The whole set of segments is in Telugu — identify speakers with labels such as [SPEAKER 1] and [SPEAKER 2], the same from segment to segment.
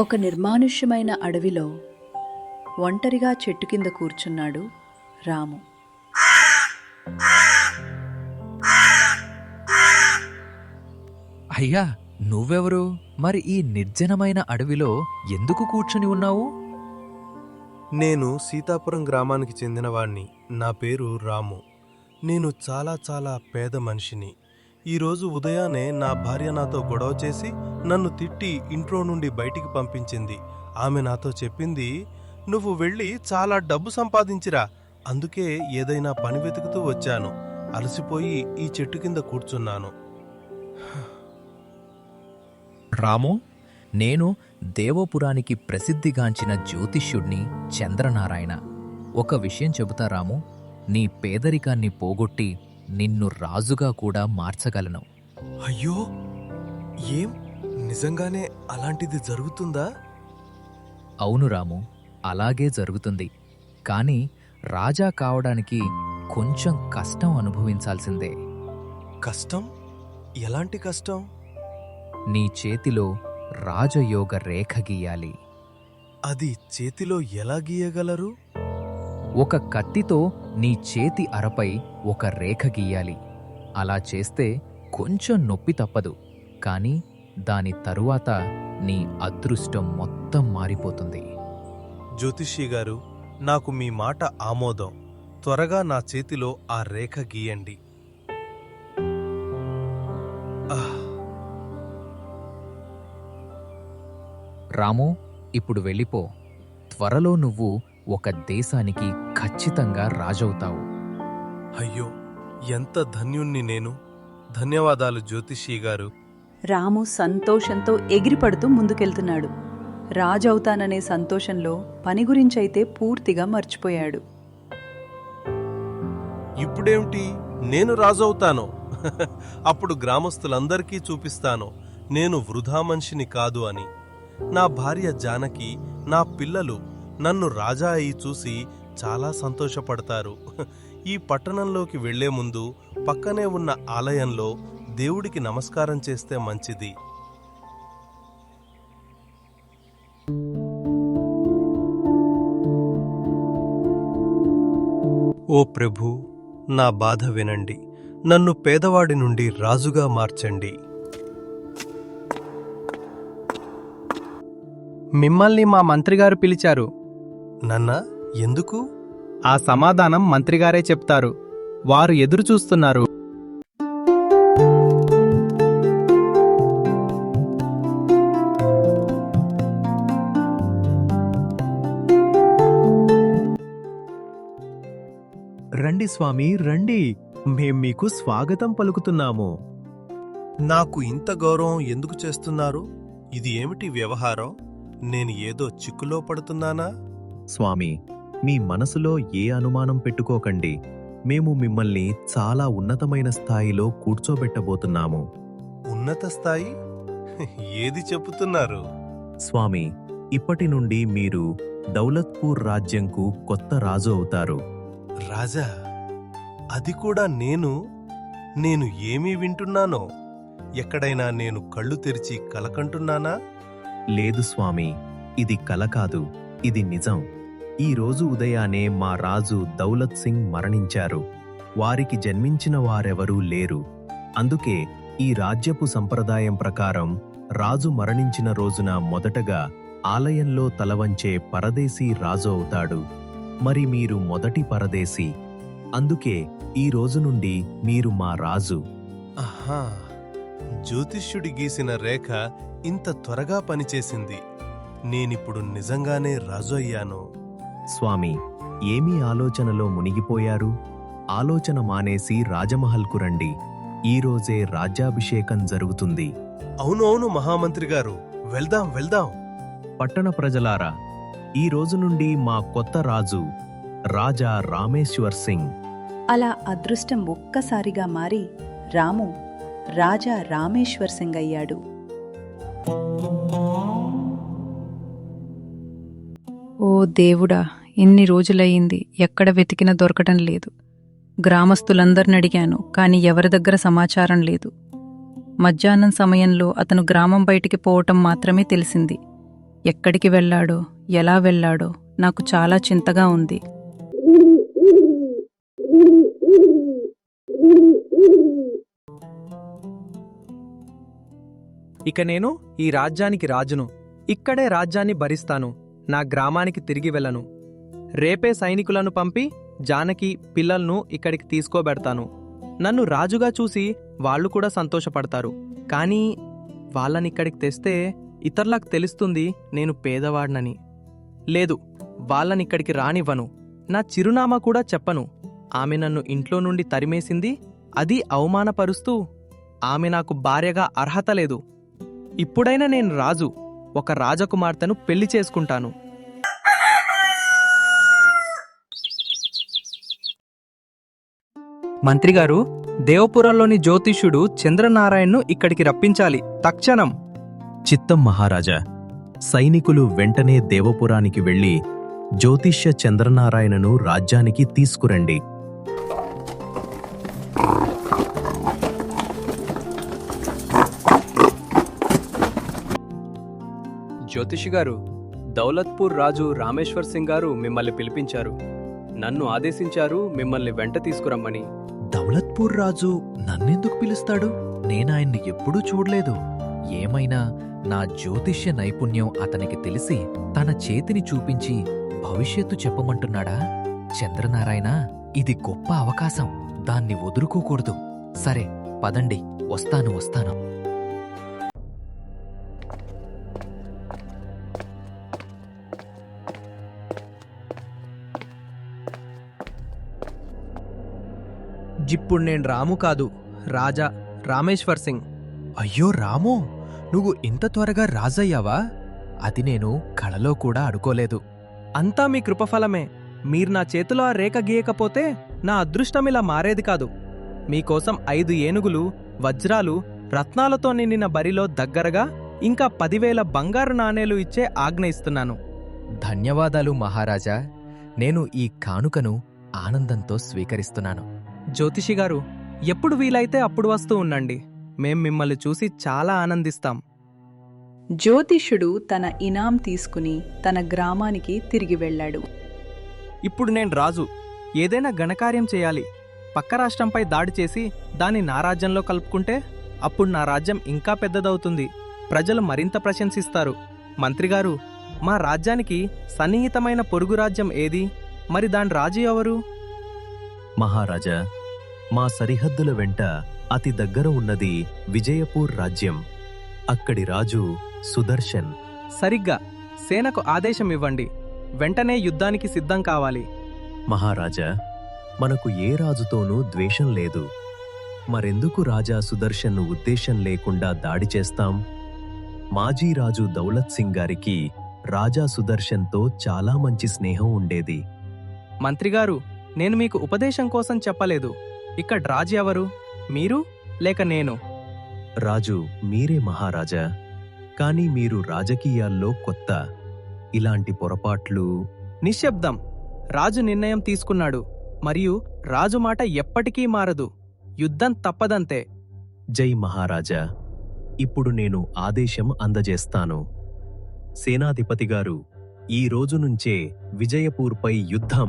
[SPEAKER 1] ఒక నిర్మానుష్యమైన అడవిలో ఒంటరిగా చెట్టు కింద కూర్చున్నాడు రాము.
[SPEAKER 2] అయ్యా, నువ్వెవరు? మరి ఈ నిర్జనమైన అడవిలో ఎందుకు కూర్చుని ఉన్నావు?
[SPEAKER 3] నేను సీతాపురం గ్రామానికి చెందినవాణ్ణి. నా పేరు రాము. నేను చాలా పేద మనిషిని. ఈరోజు ఉదయాన్నే నా భార్య నాతో గొడవ చేసి నన్ను తిట్టి ఇంట్లో నుండి బయటికి పంపించింది. ఆమె నాతో చెప్పింది, నువ్వు వెళ్ళి చాలా డబ్బు సంపాదించిరా. అందుకే ఏదైనా పని వెతుకుతూ వచ్చాను. అలసిపోయి ఈ చెట్టు కింద కూర్చున్నాను.
[SPEAKER 2] రాము, నేను దేవపురానికి ప్రసిద్ధిగాంచిన జ్యోతిష్యుణ్ణి చంద్రనారాయణ. ఒక విషయం చెబుతా రాము, నీ పేదరికాన్ని పోగొట్టి నిన్ను రాజుగా కూడా మార్చగలను.
[SPEAKER 3] అయ్యో, ఏం నిజంగానే అలాంటిది జరుగుతుందా?
[SPEAKER 2] అవును రాము, అలాగే జరుగుతుంది. కాని రాజా కావడానికి కొంచెం కష్టం అనుభవించాల్సిందే.
[SPEAKER 3] కష్టం? ఎలాంటి కష్టం?
[SPEAKER 2] నీ చేతిలో రాజయోగ రేఖ గీయాలి.
[SPEAKER 3] అది చేతిలో ఎలా గీయగలరు?
[SPEAKER 2] ఒక కత్తితో నీ చేతి అరపై ఒక రేఖ గీయాలి. అలా చేస్తే కొంచెం నొప్పి తప్పదు, కాని దాని తరువాత నీ అదృష్టం మొత్తం మారిపోతుంది.
[SPEAKER 3] జ్యోతిషి గారు, నాకు మీ మాట ఆమోదం. త్వరగా నా చేతిలో ఆ రేఖ గీయండి.
[SPEAKER 2] రాము, ఇప్పుడు వెళ్ళిపో. త్వరలో నువ్వు ఒక దేశానికి ఖచ్చితంగా రాజవుతావు.
[SPEAKER 3] అయ్యో, ఎంత ధన్యుణ్ణి నేను. ధన్యవాదాలు జ్యోతిషి గారు.
[SPEAKER 1] రాము సంతోషంతో ఎగిరిపడుతూ ముందుకెళ్తున్నాడు. రాజవుతాననే సంతోషంలో పని గురించైతే పూర్తిగా మర్చిపోయాడు.
[SPEAKER 3] ఇప్పుడేమిటి, నేను రాజవుతాను. అప్పుడు గ్రామస్తులందరికీ చూపిస్తాను నేను వృధా మనిషిని కాదు అని. నా భార్య జానకి, నా పిల్లలు నన్ను రాజా అయి చూసి చాలా సంతోషపడతారు. ఈ పట్టణంలోకి వెళ్లే ముందు పక్కనే ఉన్న ఆలయంలో దేవుడికి నమస్కారం చేస్తే మంచిది. ఓ ప్రభూ, నా బాధ వినండి. నన్ను పేదవాడి నుండి రాజుగా మార్చండి.
[SPEAKER 4] మిమ్మల్ని మా మంత్రిగారు పిలిచారు.
[SPEAKER 3] నన్నా? ఎందుకు?
[SPEAKER 4] ఆ సమాధానం మంత్రిగారే చెప్తారు. వారు ఎదురు చూస్తున్నారు.
[SPEAKER 5] రండి స్వామి, రండి. మేం మీకు స్వాగతం పలుకుతున్నాము.
[SPEAKER 3] నాకు ఇంత గౌరవం ఎందుకు చేస్తున్నారు? ఇది ఏమిటి వ్యవహారం? నేను ఏదో చిక్కులో పడుతున్నానా?
[SPEAKER 5] స్వామి, మీ మనసులో ఏ అనుమానం పెట్టుకోకండి. మేము మిమ్మల్ని చాలా ఉన్నతమైన స్థాయిలో కూర్చోబెట్టబోతున్నాము.
[SPEAKER 3] ఉన్నత స్థాయి? ఏది చెప్పుతున్నారు?
[SPEAKER 5] స్వామి, ఇప్పటి నుండి మీరు దౌలత్పూర్ రాజ్యంకు కొత్త రాజు అవుతారు.
[SPEAKER 3] రాజా? అది కూడా నేను ఏమీ వింటున్నానో? ఎక్కడైనా నేను కళ్ళు తెరిచి కలకంటున్నానా?
[SPEAKER 5] లేదు స్వామి, ఇది కల కాదు, ఇది నిజం. ఈ రోజు ఉదయానే మా రాజు దౌలత్ సింగ్ మరణించారు. వారికి జన్మించిన వారెవరూ లేరు. అందుకే ఈ రాజ్యపు సంప్రదాయం ప్రకారం రాజు మరణించిన రోజున మొదటగా ఆలయంలో తలవంచే పరదేశీ రాజు అవుతాడు. మరి మీరు మొదటి పరదేశీ. అందుకే ఈ రోజు నుండి మీరు మా రాజు.
[SPEAKER 3] ఆహా, జ్యోతిష్యుడి గీసిన రేఖ ఇంత త్వరగా పనిచేసింది. నేనిప్పుడు నిజంగానే రాజు అయ్యాను.
[SPEAKER 5] స్వామి, ఏమీ ఆలోచనలో మునిగిపోయారు? ఆలోచన మానేసి రాజమహల్కు రండి. ఈరోజే రాజ్యాభిషేకం జరుగుతుంది.
[SPEAKER 3] అవునవును మహామంత్రి గారు, వెళ్దాం వెళ్దాం.
[SPEAKER 5] పట్టణ ప్రజలారా, ఈ రోజు నుండి మా కొత్త రాజు రాజా రామేశ్వర్ సింగ్.
[SPEAKER 1] అలా అదృష్టం ఒక్కసారిగా మారి రాము రాజా రామేశ్వర్ సింగ్ అయ్యాడు.
[SPEAKER 6] ఓ దేవుడా, ఎన్ని రోజులయ్యింది, ఎక్కడ వెతికినా దొరకటం లేదు. గ్రామస్తులందరిని అడిగాను, కాని ఎవరి దగ్గర సమాచారం లేదు. మధ్యాహ్నం సమయంలో అతను గ్రామం బయటికి పోవటం మాత్రమే తెలిసింది. ఎక్కడికి వెళ్ళాడో ఎలా వెళ్ళాడో నాకు చాలా చింతగా ఉంది.
[SPEAKER 4] ఇక నేను ఈ రాజ్యానికి రాజును. ఇక్కడే రాజ్యాన్ని భరిస్తాను. నా గ్రామానికి తిరిగి వెళ్ళను. రేపే సైనికులను పంపి జానకి పిల్లలను ఇక్కడికి తీసుకోబెడతాను. నన్ను రాజుగా చూసి వాళ్ళు కూడా సంతోషపడతారు. కానీ వాళ్ళనిక్కడికి తెస్తే ఇతరులకు తెలుస్తుంది నేను పేదవాడినని. లేదు, వాళ్ళనిక్కడికి రానివ్వను. నా చిరునామా కూడా చెప్పను. ఆమె నన్ను ఇంట్లో నుండి తరిమేసింది, అది అవమానపరుస్తూ. ఆమె నాకు భార్యగా అర్హత లేదు. ఇప్పుడైనా నేను రాజు, ఒక రాజకుమార్తెను పెళ్లి చేసుకుంటాను. మంత్రిగారు, దేవపురంలోని జ్యోతిష్యుడు చంద్రనారాయణ్ను ఇక్కడికి రప్పించాలి, తక్షణం.
[SPEAKER 5] చిత్తం మహారాజా. సైనికులు వెంటనే దేవపురానికి వెళ్లి జ్యోతిష్య చంద్రనారాయణను రాజ్యానికి తీసుకురండి.
[SPEAKER 4] జ్యోతిషి గారు, దౌలత్పూర్ రాజు రామేశ్వర్ సింగ్ గారు మిమ్మల్ని పిలిపించారు. నన్ను ఆదేశించారు మిమ్మల్ని వెంట తీసుకురమ్మని.
[SPEAKER 2] దౌలత్పూర్ రాజు నన్నెందుకు పిలుస్తాడు? నేనాయన్ని ఎప్పుడూ చూడలేదు. ఏమైనా నా జ్యోతిష్య నైపుణ్యం అతనికి తెలిసి తన చేతిని చూపించి భవిష్యత్తు చెప్పమంటున్నాడా? చంద్రనారాయణ, ఇది గొప్ప అవకాశం, దాన్ని వదులుకోకూడదు. సరే పదండి, వస్తాను.
[SPEAKER 4] ఇప్పుడు నేను రాము కాదు, రాజా రామేశ్వర్ సింగ్.
[SPEAKER 2] అయ్యో రాము, నువ్వు ఇంత త్వరగా రాజయ్యావా? అది నేను కలలో కూడా అనుకోలేదు.
[SPEAKER 4] అంతా మీ కృపఫలమే. మీరు నా చేతిలో ఆ రేఖ గీయకపోతే నా అదృష్టం ఇలా మారేది కాదు. మీకోసం 5 ఏనుగులు, వజ్రాలు, రత్నాలతో నిండిన బరిలో దగ్గరగా ఇంకా 10,000 బంగారు నాణేలు ఇచ్చే ఆజ్ఞ ఇస్తున్నాను.
[SPEAKER 2] ధన్యవాదాలు మహారాజా. నేను ఈ కానుకను ఆనందంతో స్వీకరిస్తున్నాను.
[SPEAKER 4] జ్యోతిషి గారు, ఎప్పుడు వీలైతే అప్పుడు వస్తూ ఉండండి. మేం మిమ్మల్ని చూసి చాలా ఆనందిస్తాం.
[SPEAKER 1] జ్యోతిష్యుడు తన ఇనాం తీసుకుని తన గ్రామానికి తిరిగి వెళ్ళాడు.
[SPEAKER 4] ఇప్పుడు నేను రాజు, ఏదైనా ఘనకార్యం చేయాలి. పక్క రాష్ట్రంపై దాడి చేసి దాన్ని నా రాజ్యంలో కలుపుకుంటే అప్పుడు నా రాజ్యం ఇంకా పెద్దదవుతుంది. ప్రజలు మరింత ప్రశంసిస్తారు. మంత్రిగారు, మా రాజ్యానికి సన్నిహితమైన పొరుగు రాజ్యం ఏది? మరి దాని రాజు ఎవరు?
[SPEAKER 5] మహారాజా, మా సరిహద్దుల వెంట అతి దగ్గర ఉన్నది విజయపూర్ రాజ్యం. అక్కడి రాజు సుదర్శన్.
[SPEAKER 4] సరిగ్గా సేనకు ఆదేశం ఇవ్వండి. వెంటనే యుద్ధానికి సిద్ధం కావాలి.
[SPEAKER 5] మహారాజా, మనకు ఏ రాజుతోనూ ద్వేషం లేదు. మరెందుకు రాజా సుదర్శన్ను ఉద్దేశం లేకుండా దాడి చేస్తాం? మాజీ రాజు దౌలత్ సింగ్ గారికి రాజా సుదర్శన్తో చాలా మంచి స్నేహం ఉండేది.
[SPEAKER 4] మంత్రిగారు, నేను మీకు ఉపదేశం కోసం చెప్పలేదు. ఇక్కడ రాజు ఎవరు, మీరు లేక నేను?
[SPEAKER 5] రాజు మీరే మహారాజా. కానీ మీరు రాజకీయాల్లో కొత్త. ఇలాంటి పొరపాట్లు.
[SPEAKER 4] నిశ్శబ్దం. రాజు నిర్ణయం తీసుకున్నాడు, మరియు రాజు మాట ఎప్పటికీ మారదు. యుద్ధం తప్పదంతే.
[SPEAKER 5] జై మహారాజా. ఇప్పుడు నేను ఆదేశం అందజేస్తాను. సేనాధిపతి గారు, ఈ రోజు నుంచే విజయపూర్పై యుద్ధం.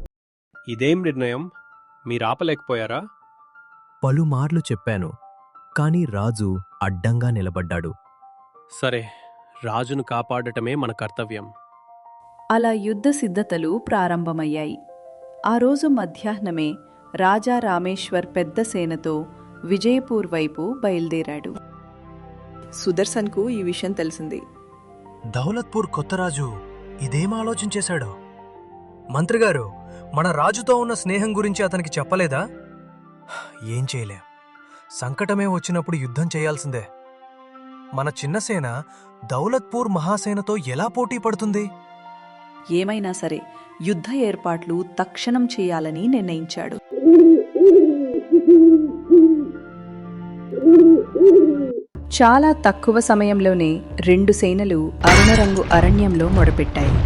[SPEAKER 3] ఇదేం నిర్ణయం? మీరాపలేకపోయారా?
[SPEAKER 5] పలుమార్లు చెప్పాను, కాని రాజు అడ్డంగా నిలబడ్డాడు.
[SPEAKER 3] సరే, రాజును కాపాడటమే మన కర్తవ్యం.
[SPEAKER 1] అలా యుద్ధ సిద్ధతలు ప్రారంభమయ్యాయి. ఆ రోజు మధ్యాహ్నమే రాజా రామేశ్వర్ పెద్ద సేనతో విజయపూర్ వైపు బయలుదేరాడు. సుదర్శన్కు ఈ విషయం తెలిసింది.
[SPEAKER 7] దౌలత్పూర్ కొత్త రాజు ఇదేం ఆలోచించేశాడో? మంత్రిగారు, మన రాజుతో ఉన్న స్నేహం గురించి అతనికి చెప్పలేదా? ఏం చేయలేం. సంకటమే వచ్చినప్పుడు యుద్ధం చేయాల్సిందే. మన చిన్న సేన దౌలత్పూర్ మహాసేనతో ఎలా పోటీ పడుతుంది?
[SPEAKER 1] ఏమైనా సరే యుద్ధ ఏర్పాట్లు తక్షణం చేయాలని నిర్ణయించాడు. చాలా తక్కువ సమయంలోనే 2 సేనలు అరుణరంగు అరణ్యంలో మొదపెట్టాయి.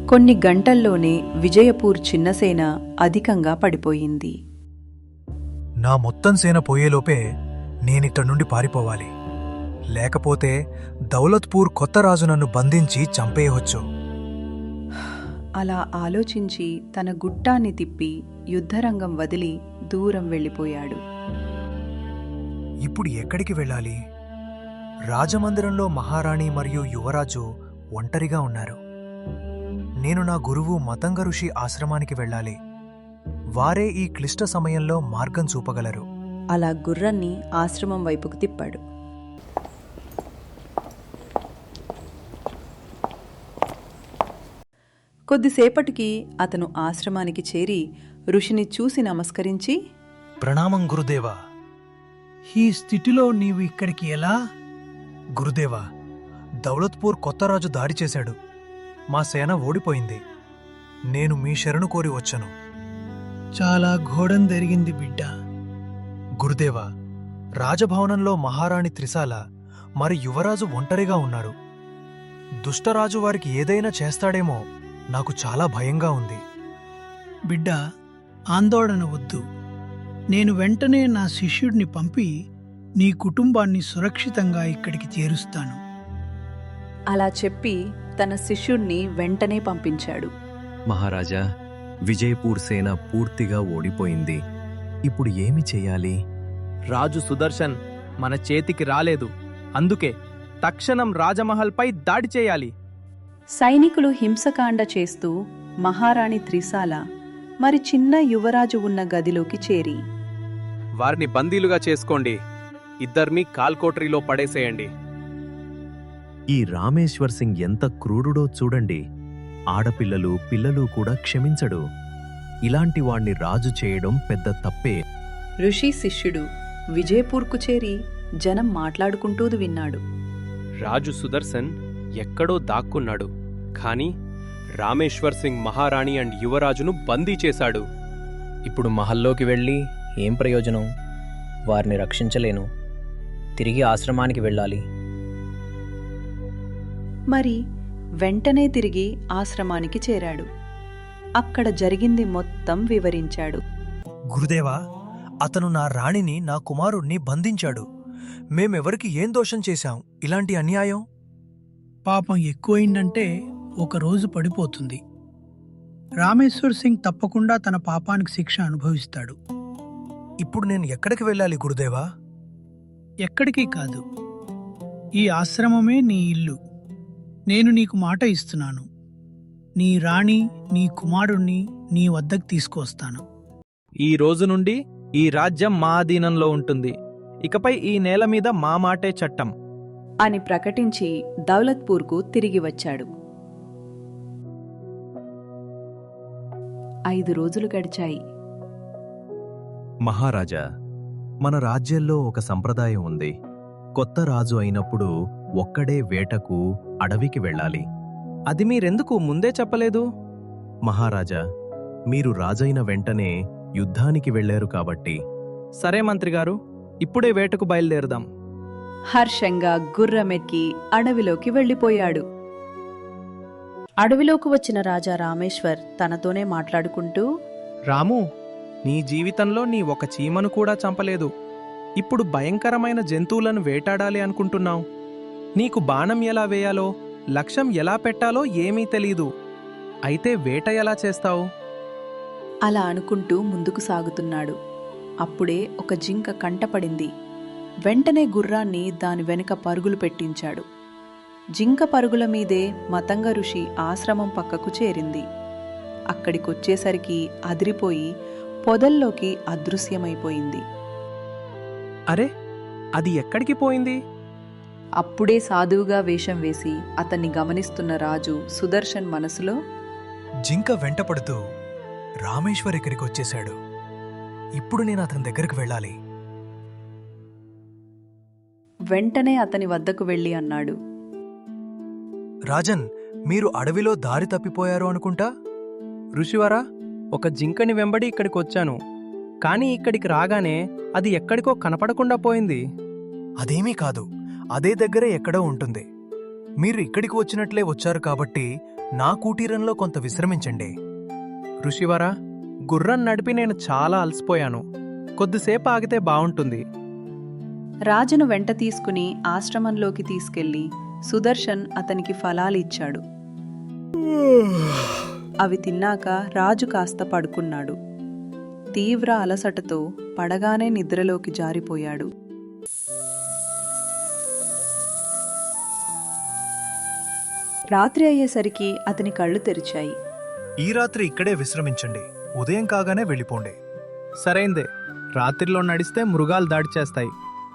[SPEAKER 1] కొన్ని గంటల్లోనే విజయపూర్ చిన్నసేన అధికంగా పడిపోయింది.
[SPEAKER 7] నా మొత్తం సేన పోయేలోపే నేనిక్కడి నుండి పారిపోవాలి. లేకపోతే దౌలత్పూర్ కొత్త రాజు నన్ను బంధించి చంపేయవచ్చు.
[SPEAKER 1] అలా ఆలోచించి తన గుట్టాన్ని తిప్పి యుద్ధరంగం వదిలి దూరం వెళ్ళిపోయాడు.
[SPEAKER 7] ఇప్పుడు ఎక్కడికి వెళ్ళాలి? రాజమందిరంలో మహారాణి మరియు యువరాజు ఒంటరిగా ఉన్నారు. నేను నా గురువు మతంగ ఋషి ఆశ్రమానికి వెళ్ళాలి. వారే ఈ క్లిష్ట సమయంలో మార్గం చూపగలరు.
[SPEAKER 1] అలా గుర్రాన్ని ఆశ్రమం వైపుకు తిప్పాడు. కొద్దిసేపటికి అతను ఆశ్రమానికి చేరి ఋషిని చూసి నమస్కరించి,
[SPEAKER 7] ప్రణామం గురుదేవా.
[SPEAKER 8] ఈ స్థితిలో నీవు ఇక్కడికి ఎలా?
[SPEAKER 7] గురుదేవా, దౌలత్పూర్ కొత్త రాజు దాడి చేశాడు. మా సేన ఓడిపోయింది. నేను మీ శరణు కోరి వచ్చాను.
[SPEAKER 8] చాలా ఘోరం జరిగింది బిడ్డ.
[SPEAKER 7] గురుదేవా, రాజభవనంలో మహారాణి త్రిశాల మరి యువరాజు ఒంటరిగా ఉన్నారు. దుష్టరాజు వారికి ఏదైనా చేస్తాడేమో నాకు చాలా భయంగా ఉంది.
[SPEAKER 8] బిడ్డ, ఆందోళన వద్దు. నేను వెంటనే నా శిష్యుడిని పంపి నీ కుటుంబాన్ని సురక్షితంగా ఇక్కడికి చేరుస్తాను.
[SPEAKER 1] అలా చెప్పి తన శిష్యుణ్ణి వెంటనే పంపించాడు.
[SPEAKER 5] మహారాజా, విజయపూర్ సేన పూర్తిగా ఓడిపోయింది. ఇప్పుడు ఏమి చెయ్యాలి?
[SPEAKER 4] రాజు సుదర్శన్ మన చేతికి రాలేదు. అందుకే తక్షణం రాజమహల్పై దాడి చేయాలి.
[SPEAKER 1] సైనికులు హింసకాండ చేస్తూ మహారాణి త్రిశాల మరి చిన్న యువరాజు ఉన్న గదిలోకి చేరి,
[SPEAKER 4] వారిని బందీలుగా చేసుకోండి. ఇద్దర్ని కాల్కోటరీలో పడేసేయండి.
[SPEAKER 5] ఈ రామేశ్వర్ సింగ్ ఎంత క్రూరుడో చూడండి. ఆడపిల్లలు పిల్లలు కూడా క్షమించడు. ఇలాంటి వాణ్ణి రాజు చేయడం పెద్ద తప్పే.
[SPEAKER 1] ఋషి శిష్యుడు విజయపూర్కు చేరి జనం మాట్లాడుకుంటూ విన్నాడు.
[SPEAKER 9] రాజు సుదర్శన్ ఎక్కడో దాక్కున్నాడు. కానీ రామేశ్వర్ సింగ్ మహారాణి అండ్ యువరాజును బందీ చేశాడు.
[SPEAKER 10] ఇప్పుడు మహల్లోకి వెళ్ళి ఏం ప్రయోజనం? వారిని రక్షించలేను. తిరిగి ఆశ్రమానికి వెళ్ళాలి.
[SPEAKER 1] మరి వెంటనే తిరిగి ఆశ్రమానికి చేరాడు. అక్కడ జరిగింది మొత్తం వివరించాడు.
[SPEAKER 7] గురుదేవా, అతను నా రాణిని, నా కుమారుణ్ణి బంధించాడు. మేమెవరికి ఏం దోషం చేశాం? ఇలాంటి అన్యాయం?
[SPEAKER 8] పాపం ఎక్కువైందంటే ఒకరోజు పడిపోతుంది. రామేశ్వర్ సింగ్ తప్పకుండా తన పాపానికి శిక్ష అనుభవిస్తాడు.
[SPEAKER 7] ఇప్పుడు నేను ఎక్కడికి వెళ్ళాలి గురుదేవా?
[SPEAKER 8] ఎక్కడికి కాదు, ఈ ఆశ్రమమే నీ ఇల్లు. నేను నీకు మాట ఇస్తున్నాను. నీ రాణి, నీ కుమారుణ్ణి నీ వద్దకు తీసుకొస్తాను.
[SPEAKER 4] ఈ రోజు నుండి ఈ రాజ్యం మా అధీనంలో ఉంటుంది. ఇకపై ఈ నేల మీద మా మాటే చట్టం
[SPEAKER 1] అని ప్రకటించి దౌలత్పూర్కు తిరిగి వచ్చాడు. 5 రోజులు గడిచాయి.
[SPEAKER 5] మహారాజా, మన రాజ్యంలో ఒక సంప్రదాయం ఉంది. కొత్త రాజు అయినప్పుడు ఒక్కడే వేటకు అడవికి వెళ్ళాలి.
[SPEAKER 4] అది మీరెందుకు ముందే చెప్పలేదు?
[SPEAKER 5] మహారాజా, మీరు రాజైన వెంటనే యుద్ధానికి వెళ్ళారు కాబట్టి.
[SPEAKER 4] సరే మంత్రిగారు, ఇప్పుడే వేటకు బయలుదేరుదాం.
[SPEAKER 1] హర్షంగా గుర్రమెక్కి అడవిలోకి వెళ్ళిపోయాడు.
[SPEAKER 11] అడవిలోకి వచ్చిన రాజా రామేశ్వర్ తనతోనే మాట్లాడుకుంటూ,
[SPEAKER 4] రాము, నీ జీవితంలో నీ ఒక చీమను కూడా చంపలేదు. ఇప్పుడు భయంకరమైన జంతువులను వేటాడాలి అనుకుంటున్నావు. నీకు బాణం ఎలా వేయాలో, లక్ష్యం ఎలా పెట్టాలో ఏమీ తెలీదు. అయితే వేట ఎలా చేస్తావు?
[SPEAKER 1] అలా అనుకుంటూ ముందుకు సాగుతున్నాడు. అప్పుడే ఒక జింక కంటపడింది. వెంటనే గుర్రాన్ని దాని వెనుక పరుగులు పెట్టించాడు. జింక పరుగుల మీదే మతంగ ఋషి ఆశ్రమం పక్కకు చేరింది. అక్కడికొచ్చేసరికి అదిరిపోయి పొదల్లోకి అదృశ్యమైపోయింది.
[SPEAKER 4] అరే, అది ఎక్కడికి పోయింది?
[SPEAKER 1] అప్పుడే సాధువుగా వేషం వేసి అతన్ని గమనిస్తున్న రాజు సుదర్శన్ మనసులో,
[SPEAKER 7] జింక వెంటపడుతూ రామేశ్వర్ ఇక్కడికి వచ్చేశాడు. ఇప్పుడు నేను అతని దగ్గరికి వెళ్ళాలి.
[SPEAKER 1] వెంటనే అతని వద్దకు వెళ్ళి అన్నాడు,
[SPEAKER 7] రాజన్, మీరు అడవిలో దారి తప్పిపోయారు అనుకుంటా?
[SPEAKER 4] ఋషివరా, ఒక జింకని వెంబడి ఇక్కడికొచ్చాను. కానీ ఇక్కడికి రాగానే అది ఎక్కడికో కనపడకుండా పోయింది.
[SPEAKER 7] అదేమీ కాదు, అదే దగ్గరే ఎక్కడో ఉంటుంది. మీరు ఇక్కడికి వచ్చినట్లే వచ్చారు కాబట్టి నా కుటీరంలో కొంత విశ్రమించండి.
[SPEAKER 4] ఋషివరా, గుర్రం నడిపి నేను చాలా అలసిపోయాను. కొద్దిసేపు ఆగితే బావుంటుంది.
[SPEAKER 1] రాజును వెంట తీసుకుని ఆశ్రమంలోకి తీసుకెళ్లి సుదర్శన్ అతనికి ఫలాలిచ్చాడు. అవి తిన్నాక రాజు కాస్త పడుకున్నాడు. తీవ్ర అలసటతో పడగానే నిద్రలోకి జారిపోయాడు. రాత్రి అయ్యేసరికి అతని కళ్ళు తెరిచాయి.
[SPEAKER 7] ఈ రాత్రి ఇక్కడే విశ్రమించండి. ఉదయం కాగానే వెళ్ళిపోండి.
[SPEAKER 4] సరైందే. రాత్రిలో నడిస్తే మృగాలు దాడి చేస్తాయి.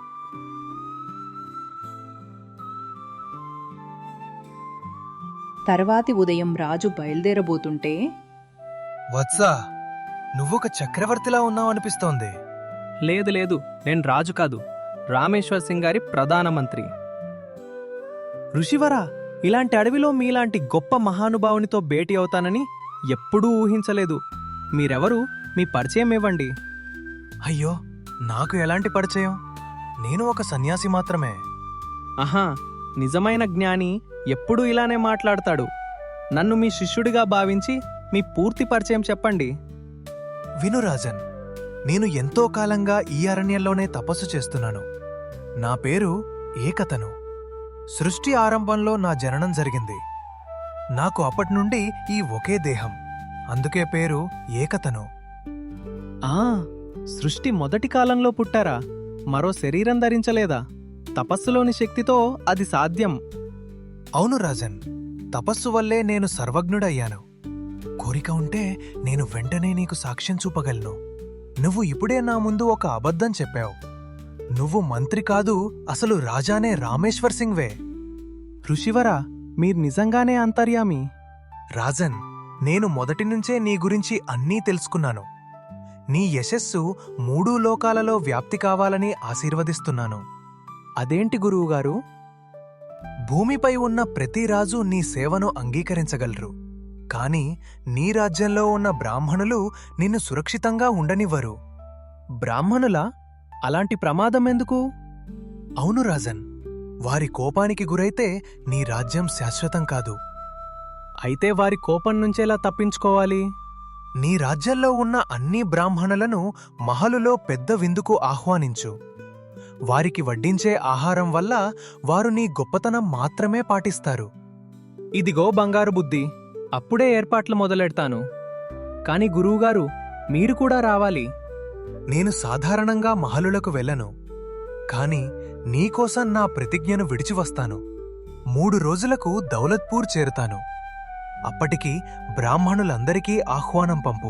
[SPEAKER 1] తర్వాతి ఉదయం రాజు బయలుదేరబోతుంటే,
[SPEAKER 7] వత్సా, నువ్వొక చక్రవర్తిలా ఉన్నావనిపిస్తోంది.
[SPEAKER 4] లేదు లేదు, నేను రాజు కాదు, రామేశ్వర్ సింగ్ గారి ప్రధానమంత్రి. ఋషివరా, ఇలాంటి అడవిలో మీలాంటి గొప్ప మహానుభావునితో భేటీ అవుతానని ఎప్పుడూ ఊహించలేదు. మీరెవరు? మీ పరిచయం ఇవ్వండి.
[SPEAKER 7] అయ్యో, నాకు ఎలాంటి పరిచయం? నేను ఒక సన్యాసి మాత్రమే.
[SPEAKER 4] ఆహా, నిజమైన జ్ఞాని ఎప్పుడూ ఇలానే మాట్లాడతాడు. నన్ను మీ శిష్యుడిగా భావించి మీ పూర్తి పరిచయం చెప్పండి.
[SPEAKER 7] విను రాజన్, నేను ఎంతో కాలంగా ఈ అరణ్యంలోనే తపస్సు చేస్తున్నాను. నా పేరు ఏకతను. సృష్టి ఆరంభంలో నా జననం జరిగింది. నాకు అప్పటినుండి ఈ ఒకే దేహం, అందుకే పేరు ఏకతను.
[SPEAKER 4] ఆ, సృష్టి మొదటి కాలంలో పుట్టారా? మరో శరీరం ధరించలేదా? తపస్సులోని శక్తితో అది సాధ్యం.
[SPEAKER 7] అవును రాజన్, తపస్సు వల్లే నేను సర్వజ్ఞుడయ్యాను. కోరిక ఉంటే నేను వెంటనే నీకు సాక్ష్యం చూపగలను. నువ్వు ఇప్పుడే నా ముందు ఒక అబద్ధం చెప్పావు. నువ్వు మంత్రి కాదు, అసలు రాజానే రామేశ్వర్ సింగ్వే.
[SPEAKER 4] ఋషివరా, మీరు నిజంగానే అంతర్యామి.
[SPEAKER 7] రాజన్, నేను మొదటి నుంచే నీ గురించి అన్నీ తెలుసుకున్నాను. నీ యశస్సు 3 లోకాలలో వ్యాప్తి కావాలని ఆశీర్వదిస్తున్నాను.
[SPEAKER 4] అదేంటి గురువుగారు?
[SPEAKER 7] భూమిపై ఉన్న ప్రతి రాజు నీ సేవను అంగీకరించగలరు, కాని నీ రాజ్యంలో ఉన్న బ్రాహ్మణులు నిన్ను సురక్షితంగా ఉండనివ్వరు.
[SPEAKER 4] బ్రాహ్మణులా? అలాంటి ప్రమాదం ఎందుకు?
[SPEAKER 7] అవును రాజన్, వారి కోపానికి గురైతే నీ రాజ్యం శాశ్వతం కాదు.
[SPEAKER 4] అయితే వారి కోపం నుంచేలా తప్పించుకోవాలి?
[SPEAKER 7] నీ రాజ్యంలో ఉన్న అన్ని బ్రాహ్మణులను మహలులో పెద్ద విందుకు ఆహ్వానించు. వారికి వడ్డించే ఆహారం వల్ల వారు నీ గొప్పతనం మాత్రమే పాటిస్తారు.
[SPEAKER 4] ఇదిగో బంగారు బుద్ధి, అప్పుడే ఏర్పాట్లు మొదలెడతాను. కాని గురువుగారు, మీరు కూడా రావాలి.
[SPEAKER 7] నేను సాధారణంగా మహలులకు వెళ్ళను, కాని నీకోసం నా ప్రతిజ్ఞను విడిచివస్తాను. 3 రోజులకు దౌలత్పూర్ చేరుతాను. అప్పటికి బ్రాహ్మణులందరికీ ఆహ్వానం పంపు.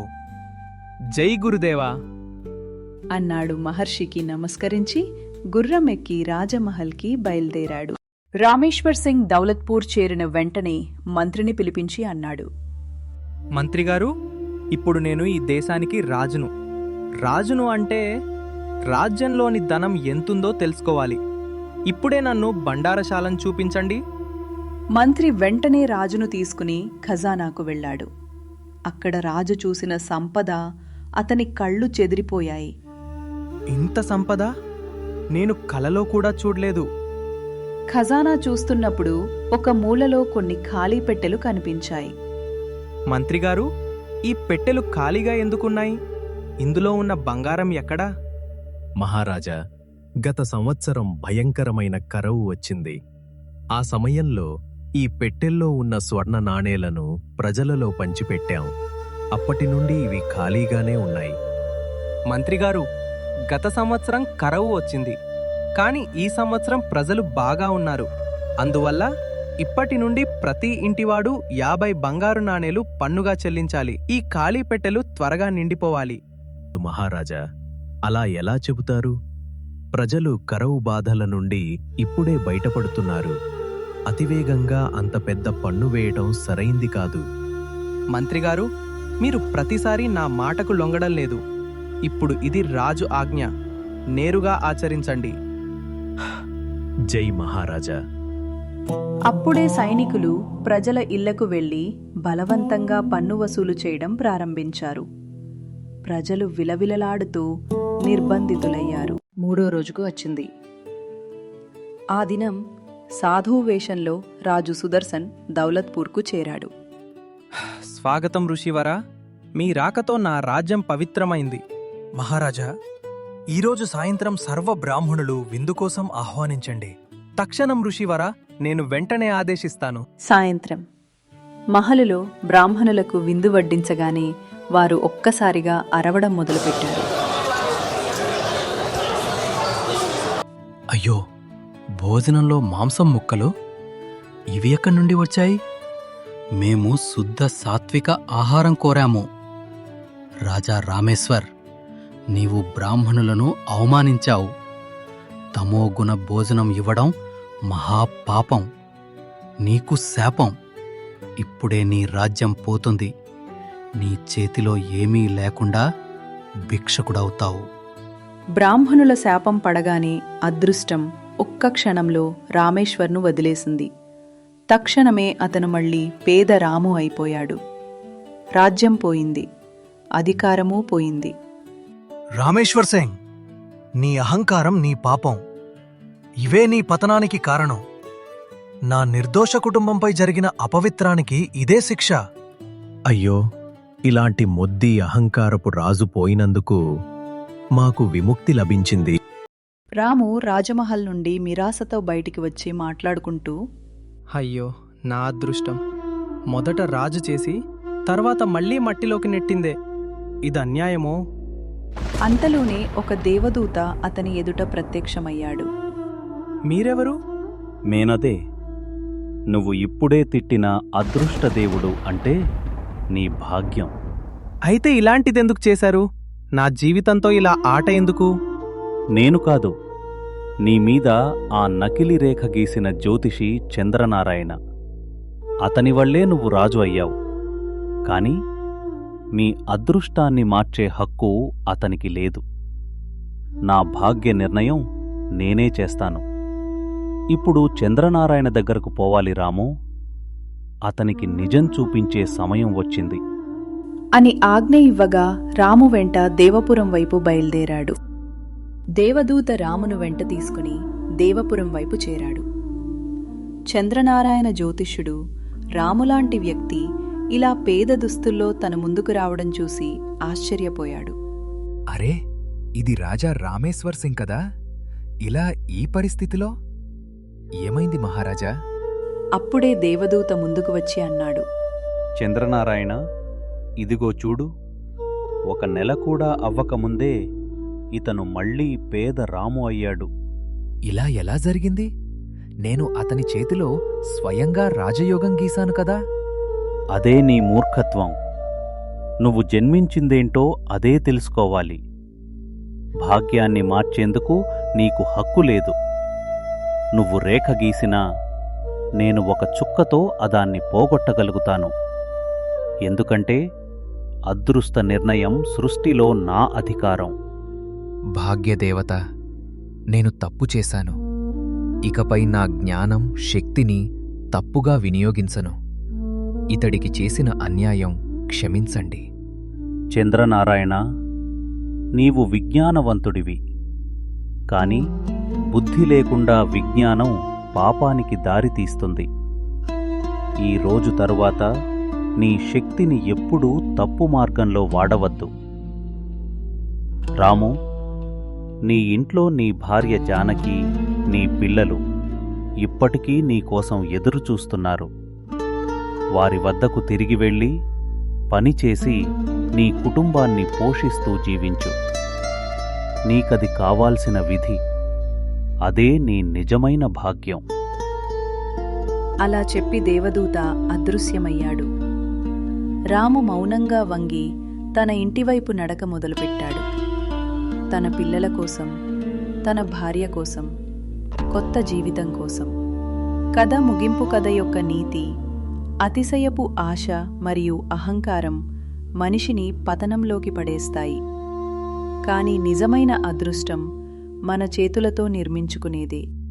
[SPEAKER 4] జై గురుదేవా
[SPEAKER 1] అన్నాడు. మహర్షికి నమస్కరించి గుర్రం ఎక్కి రాజమహల్కి బయలుదేరాడు. రామేశ్వర్ సింగ్ దౌలత్పూర్ చేరిన వెంటనే మంత్రిని పిలిపించి అన్నాడు,
[SPEAKER 4] మంత్రిగారు, ఇప్పుడు నేను ఈ దేశానికి రాజును. రాజును అంటే రాజ్యంలోని ధనం ఎంతుందో తెలుసుకోవాలి. ఇప్పుడే నన్ను బండారశాలను చూపించండి.
[SPEAKER 1] మంత్రి వెంటనే రాజును తీసుకుని ఖజానాకు వెళ్ళాడు. అక్కడ రాజు చూసిన సంపద అతని కళ్ళు చెదిరిపోయాయి.
[SPEAKER 4] ఇంత సంపద నేను కలలో కూడా చూడలేదు.
[SPEAKER 1] ఖజానా చూస్తున్నప్పుడు ఒక మూలలో కొన్ని ఖాళీ పెట్టెలు కనిపించాయి.
[SPEAKER 4] మంత్రిగారు, ఈ పెట్టెలు ఖాళీగా ఎందుకున్నాయి? ఇందులో ఉన్న బంగారం ఎక్కడా?
[SPEAKER 5] మహారాజా, గత సంవత్సరం భయంకరమైన కరువు వచ్చింది. ఆ సమయంలో ఈ పెట్టెల్లో ఉన్న స్వర్ణ నాణేలను ప్రజలలో పంచిపెట్టాం. అప్పటి నుండి ఇవి ఖాళీగానే ఉన్నాయి.
[SPEAKER 4] మంత్రిగారు, గత సంవత్సరం కరువు వచ్చింది, కాని ఈ సంవత్సరం ప్రజలు బాగా ఉన్నారు. అందువల్ల ఇప్పటి నుండి ప్రతి ఇంటివాడు 50 బంగారు నాణేలు పన్నుగా చెల్లించాలి. ఈ ఖాళీ పెట్టెలు త్వరగా నిండిపోవాలి.
[SPEAKER 5] మహారాజా, అలా ఎలా చెబుతారు? ప్రజలు కరువు బాధల నుండి ఇప్పుడే బయటపడుతున్నారు. అతివేగంగా అంత పెద్ద పన్ను వేయటం సరైంది కాదు.
[SPEAKER 4] మంత్రిగారు, మీరు ప్రతిసారి నా మాటకు లొంగడం లేదు. ఇప్పుడు ఇది రాజు ఆజ్ఞ, నేరుగా ఆచరించండి.
[SPEAKER 5] జై మహారాజా.
[SPEAKER 1] అప్పుడే సైనికులు ప్రజల ఇళ్లకు వెళ్లి బలవంతంగా పన్ను వసూలు చేయడం ప్రారంభించారు. ప్రజలు విలవిలలాడుతూ నిర్బంధితులయ్యారు. 3వ రోజుకు వచ్చింది. ఆ దినం సాధువు వేషంలో రాజు సుదర్శన్ దౌలత్పూర్కు చేరాడు.
[SPEAKER 4] స్వాగతం ఋషివరా. మీ రాకతో నా రాజ్యం పవిత్రమైంది.
[SPEAKER 7] మహారాజా, ఈరోజు సాయంత్రం సర్వ బ్రాహ్మణులు విందు కోసం ఆహ్వానించండి.
[SPEAKER 4] తక్షణం ఋషివరా, నేను వెంటనే ఆదేశిస్తాను.
[SPEAKER 1] సాయంత్రం మహలులో బ్రాహ్మణులకు విందు వడ్డించగానే వారు ఒక్కసారిగా అరవడం మొదలుపెట్టారు.
[SPEAKER 7] అయ్యో, భోజనంలో మాంసం ముక్కలు ఇవి ఎక్కడి నుండి వచ్చాయి? మేము శుద్ధ సాత్విక ఆహారం కోరాము. రాజా రామేశ్వర్, నీవు బ్రాహ్మణులను అవమానించావు. తమోగుణ భోజనం ఇవ్వడం మహాపాపం. నీకు శాపం. ఇప్పుడే నీ రాజ్యం పోతుంది. నీ చేతిలో ఏమీ లేకుండా భిక్షకుడవుతావు.
[SPEAKER 1] బ్రాహ్మణుల శాపం పడగానే అదృష్టం ఒక్క క్షణంలో రామేశ్వర్ను వదిలేసింది. తక్షణమే అతను మళ్ళీ పేద రాము అయిపోయాడు. రాజ్యం పోయింది, అధికారమూ పోయింది.
[SPEAKER 7] రామేశ్వర్ సింగ్, నీ అహంకారం నీ పాపం. ఇవే నీ పతనానికి కారణం. నా నిర్దోష కుటుంబంపై జరిగిన అపవిత్రానికి ఇదే శిక్ష.
[SPEAKER 5] అయ్యో, ఇలాంటి మొద్ది అహంకారపు రాజు పోయినందుకు మాకు విముక్తి లభించింది.
[SPEAKER 1] రాము రాజమహల్ నుండి మిరాసతో బయటికి వచ్చి మాట్లాడుకుంటూ,
[SPEAKER 4] అయ్యో, నా అదృష్టం. మొదట రాజు చేసి తర్వాత మళ్ళీ మట్టిలోకి నెట్టిందే. ఇది అన్యాయమో?
[SPEAKER 1] అంతలోనే ఒక దేవదూత అతని ఎదుట ప్రత్యక్షమయ్యాడు.
[SPEAKER 4] మీరెవరు?
[SPEAKER 12] మేనదే, నువ్వు ఇప్పుడే తిట్టిన అదృష్టదేవుడు అంటే నీ భాగ్యం.
[SPEAKER 4] అయితే ఇలాంటిదెందుకు చేశారు? నా జీవితంతో ఇలా ఆట ఎందుకు?
[SPEAKER 12] నేను కాదు, నీ మీద ఆ నకిలీ రేఖ గీసిన జ్యోతిషి చంద్రనారాయణ. అతని వల్లే నువ్వు రాజు అయ్యావు. కాని మీ అదృష్టాన్ని మార్చే హక్కు అతనికి లేదు. నా భాగ్య నిర్ణయం నేనే చేస్తాను. ఇప్పుడు చంద్రనారాయణ దగ్గరకు పోవాలి రాము. అతనికి నిజం చూపించే సమయం వచ్చింది
[SPEAKER 1] అని ఆజ్ఞ ఇవ్వగా రాము వెంట దేవపురం వైపు బయలుదేరాడు. దేవదూత రామును వెంట తీసుకుని దేవపురం వైపు చేరాడు. చంద్రనారాయణ జ్యోతిష్యుడు రాములాంటి వ్యక్తి ఇలా పేద దుస్తుల్లో తన ముందుకు రావడం చూసి ఆశ్చర్యపోయాడు.
[SPEAKER 2] అరే, ఇది రాజా రామేశ్వర్ సింగ్ కదా? ఇలా ఈ పరిస్థితిలో ఏమైంది మహారాజా?
[SPEAKER 1] అప్పుడే దేవదూత ముందుకు వచ్చి అన్నాడు,
[SPEAKER 12] చంద్రనారాయణ, ఇదిగో చూడు. 1 నెల కూడా అవ్వకముందే ఇతను మళ్ళీ పేద రాము అయ్యాడు.
[SPEAKER 2] ఇలా ఎలా జరిగింది? నేను అతని చేతిలో స్వయంగా రాజయోగం గీశాను కదా?
[SPEAKER 12] అదే నీ మూర్ఖత్వం. నువ్వు జన్మించిందేంటో అదే తెలుసుకోవాలి. భాగ్యాన్ని మార్చేందుకు నీకు హక్కు లేదు. నువ్వు రేఖ గీసినా నేను 1 చుక్కతో అదాన్ని పోగొట్టగలుగుతాను. ఎందుకంటే అదృష్ట నిర్ణయం సృష్టిలో నా అధికారం.
[SPEAKER 2] భాగ్యదేవత, నేను తప్పు చేశాను. ఇకపై నా జ్ఞానం, శక్తిని తప్పుగా వినియోగించను. ఇతడికి చేసిన అన్యాయం క్షమించండి.
[SPEAKER 12] చంద్రనారాయణ, నీవు విజ్ఞానవంతుడివి. కాని బుద్ధి లేకుండా విజ్ఞానం పాపానికి దారితీస్తుంది. ఈ రోజు తరువాత నీ శక్తిని ఎప్పుడూ తప్పు మార్గంలో వాడవద్దు. రాము, నీ ఇంట్లో నీ భార్య జానకి, నీ పిల్లలు ఇప్పటికీ నీకోసం ఎదురుచూస్తున్నారు. వారి వద్దకు తిరిగి వెళ్ళి పనిచేసి నీ కుటుంబాన్ని పోషిస్తూ జీవించు. నీకది కావాల్సిన విధి. అదే నీ నిజమైన భాగ్యం.
[SPEAKER 1] అలా చెప్పి దేవదూత అదృశ్యమయ్యాడు. రాము మౌనంగా వంగి తన ఇంటివైపు నడక మొదలుపెట్టాడు. తన పిల్లల కోసం, తన భార్య కోసం, కొత్త జీవితం కోసం. కథ ముగింపు కథ యొక్క నీతి: అతిశయపు ఆశ మరియు అహంకారం మనిషిని పతనంలోకి పడేస్తాయి. కానీ నిజమైన అదృష్టం మన చేతులతో నిర్మించుకునేదే.